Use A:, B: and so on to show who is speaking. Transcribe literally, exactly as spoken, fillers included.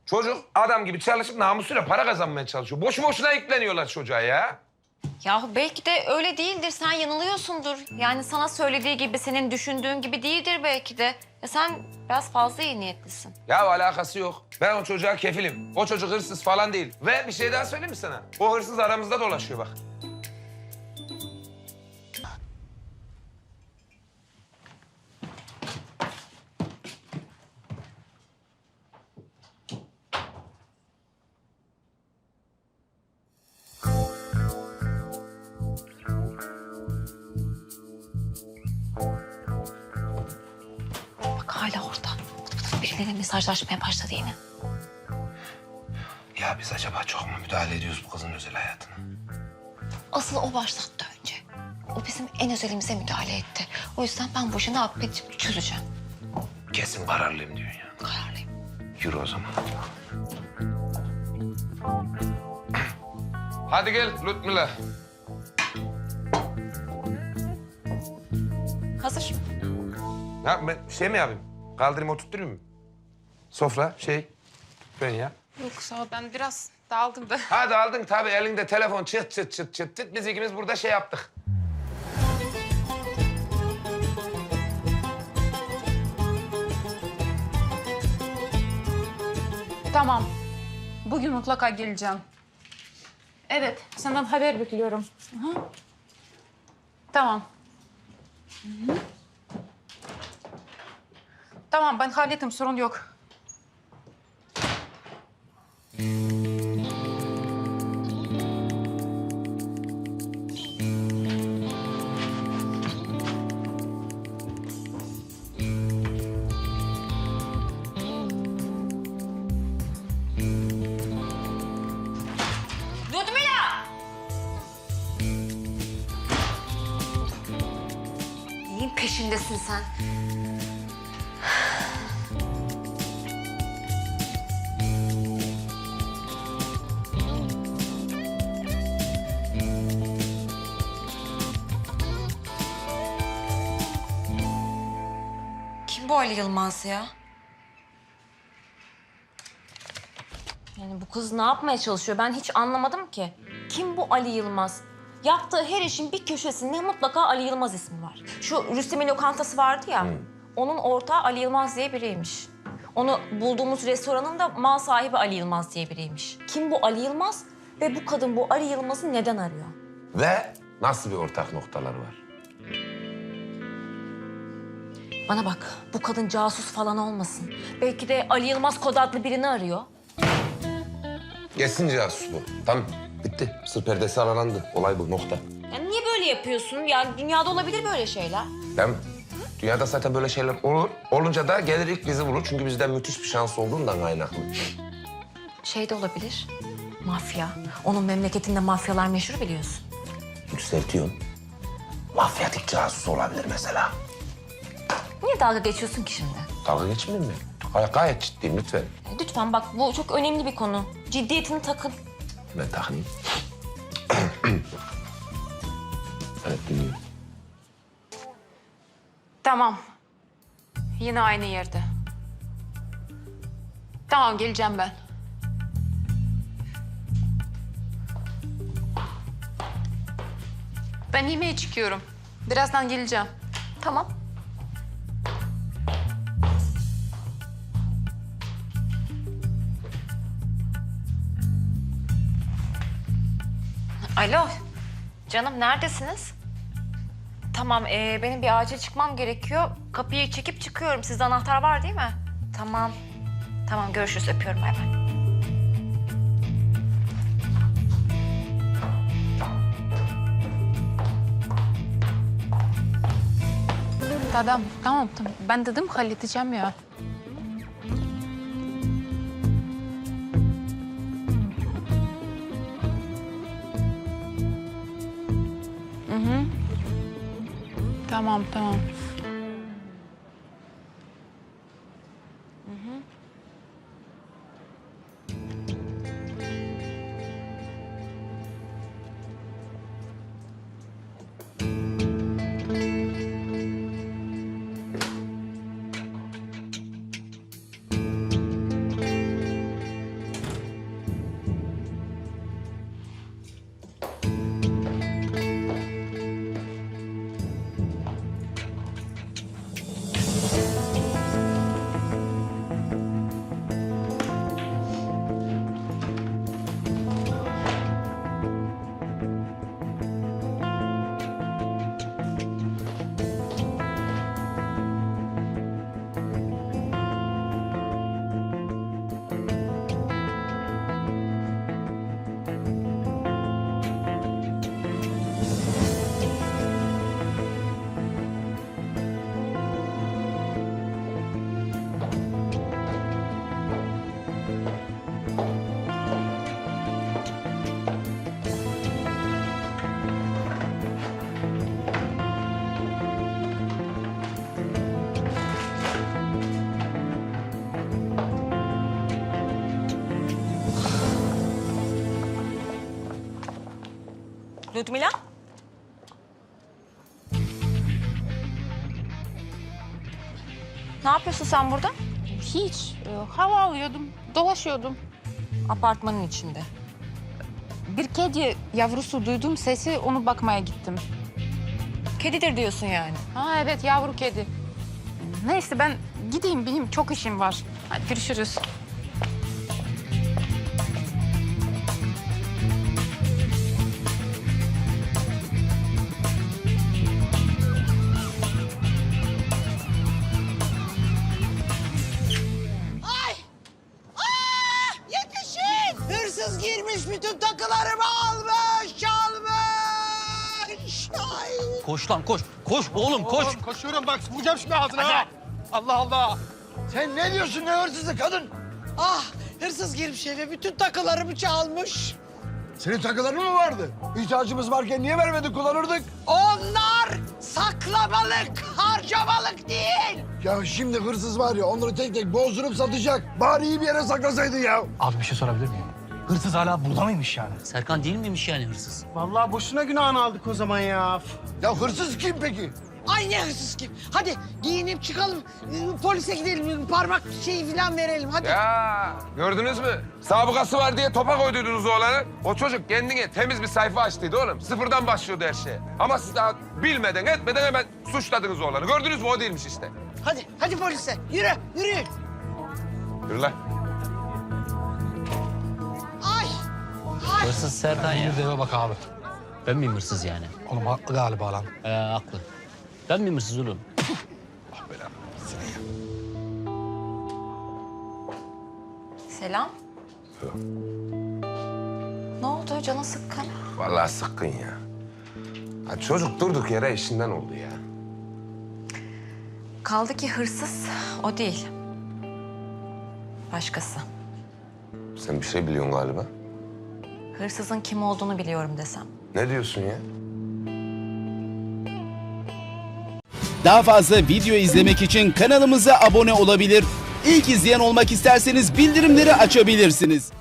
A: Çocuk adam gibi çalışıp namusuyla para kazanmaya çalışıyor. Boşu boşuna yükleniyorlar çocuğa ya.
B: Yahu belki de öyle değildir. Sen yanılıyorsundur. Yani sana söylediği gibi, senin düşündüğün gibi değildir belki de. Ya sen biraz fazla iyi niyetlisin.
A: Ya alakası yok. Ben o çocuğa kefilim. O çocuk hırsız falan değil. Ve bir şey daha söyleyeyim mi sana? O hırsız aramızda dolaşıyor bak.
B: Bak hala orada. Bıt bıt biriyle mesajlaşmaya başladı yine.
A: Ya biz acaba çok mu müdahale ediyoruz bu kızın özel hayatına?
B: Asıl o başlattı önce. O bizim en özelimize müdahale etti. O yüzden ben bu işi ne yapıp edip çözeceğim.
A: Kesin kararlıyım diyorsun ya.
B: Kararlıyım.
A: Yürü o zaman. Hadi gel Lütmüla.
B: Hazır.
A: Ya ben şey mi yapayım? Kaldırayım oturtturayım mı? Sofra, şey, ben ya.
C: Yok sağ ol, ben biraz dağıldım da.
A: Hadi aldın tabii elinde telefon çıt çıt çıt çıt çıt. Biz ikimiz burada şey yaptık.
C: Tamam. Bugün mutlaka geleceğim. Evet, senden haber bekliyorum. Hı hı. Tamam. Hı hı. Tamam, ben hallettim, sorun yok.
B: Ludmila! Neyin peşindesin sen? Kim bu Ali Yılmaz ya? Yani bu kız ne yapmaya çalışıyor? Ben hiç anlamadım ki. Kim bu Ali Yılmaz? Yaptığı her işin bir köşesinde mutlaka Ali Yılmaz ismi var. Şu Rüstem'in lokantası vardı ya, onun ortağı Ali Yılmaz diye biriymiş. Onu bulduğumuz restoranın da mal sahibi Ali Yılmaz diye biriymiş. Kim bu Ali Yılmaz ve bu kadın bu Ali Yılmaz'ı neden arıyor?
A: Ve nasıl bir ortak noktaları var?
B: Bana bak, bu kadın casus falan olmasın. Belki de Ali Yılmaz kod adlı birini arıyor.
A: Geçsin casus bu. Tamam, bitti. Sır perdesi aralandı. Olay bu, nokta.
B: Yani niye böyle yapıyorsun? Yani dünyada olabilir böyle şeyler.
A: Değil mi? Dünyada zaten böyle şeyler olur. Olunca da gelir ilk bizi bulur. Çünkü bizden müthiş bir şans olduğundan kaynaklı.
B: Şey de olabilir, mafya. Onun memleketinde mafyalar meşhur biliyorsun.
A: Yükseltiyorsun. Mafyatik casus olabilir mesela.
B: Niye dalga geçiyorsun ki şimdi?
A: Dalga geçmeyeyim mi? Gay gayet ciddiyim lütfen.
B: E, Lütfen bak, bu çok önemli bir konu. Ciddiyetini takın.
A: Ben takayım. Evet, dinliyorum.
C: Tamam. Yine aynı yerde. Tamam, geleceğim ben. Ben yemeğe çıkıyorum. Birazdan geleceğim.
B: Tamam. Alo, canım neredesiniz? Tamam, ee, benim bir acil çıkmam gerekiyor. Kapıyı çekip çıkıyorum. Sizde anahtar var değil mi? Tamam. Tamam, görüşürüz. Öpüyorum, bay bay.
C: Tamam, tamam, tamam. Ben dedim halledeceğim ya. Hı hı. Tamam, tamam.
B: Ludmila? Ne yapıyorsun sen burada?
C: Hiç. e, hava alıyordum, dolaşıyordum.
B: Apartmanın içinde.
C: Bir kedi yavrusu duydum sesi, onu bakmaya gittim.
B: Kedidir diyorsun yani.
C: Ha evet, yavru kedi. Neyse ben gideyim, benim çok işim var. Hadi görüşürüz.
D: Yetişin! Hırsız girmiş, bütün takılarımı almış, çalmış. Ay.
E: Koş lan koş. Koş oğlum koş.
F: Oğlum koşuyorum bak vuracağım şimdi ağzına ha. Allah Allah.
D: Sen ne diyorsun, ne hırsızı kadın? Ah, hırsız girmiş eve, bütün takılarımı çalmış.
F: Senin takıların mı vardı? İhtiyacımız varken niye vermedin, kullanırdık?
D: Onlar saklamalık, harcamalık değil.
F: Ya şimdi hırsız var ya, onları tek tek bozdurup satacak. Bari iyi bir yere saklasaydın ya.
G: Abi bir şey sorabilir miyim? Hırsız hala burada mıymış yani?
E: Serkan değil miymiş yani hırsız?
H: Vallahi boşuna günahını aldık o zaman ya.
F: Ya hırsız kim peki?
D: Ay ne hırsız kim? Hadi giyinip çıkalım, e, polise gidelim, parmak şeyi falan verelim, hadi.
A: Ya gördünüz mü? Sabıkası var diye topa koyduydunuz oğlanı. O çocuk kendine temiz bir sayfa açtıydı oğlum. Sıfırdan başlıyordu her şeye. Ama siz daha bilmeden etmeden hemen suçladınız oğlanı. Gördünüz mü? O değilmiş işte.
D: Hadi, hadi polise, yürü, yürü.
A: Yürü lan.
D: Ay, ay.
E: Hırsız Serkan ya.
G: Bir de eve bak abi.
E: Ben miyim hırsız yani?
G: Oğlum haklı galiba lan.
E: Ee, haklı. Ben miyim hırsız oğlum?
B: Selam. Ne oldu? Canın sıkkın.
A: Vallahi sıkkın ya. Ha, çocuk durduk yere işinden oldu ya.
B: Kaldı ki hırsız o değil. Başkası.
A: Sen bir şey biliyorsun galiba.
B: Hırsızın kim olduğunu biliyorum desem.
A: Ne diyorsun ya?
I: Daha fazla video izlemek için kanalımıza abone olabilir. İlk izleyen olmak isterseniz bildirimleri açabilirsiniz.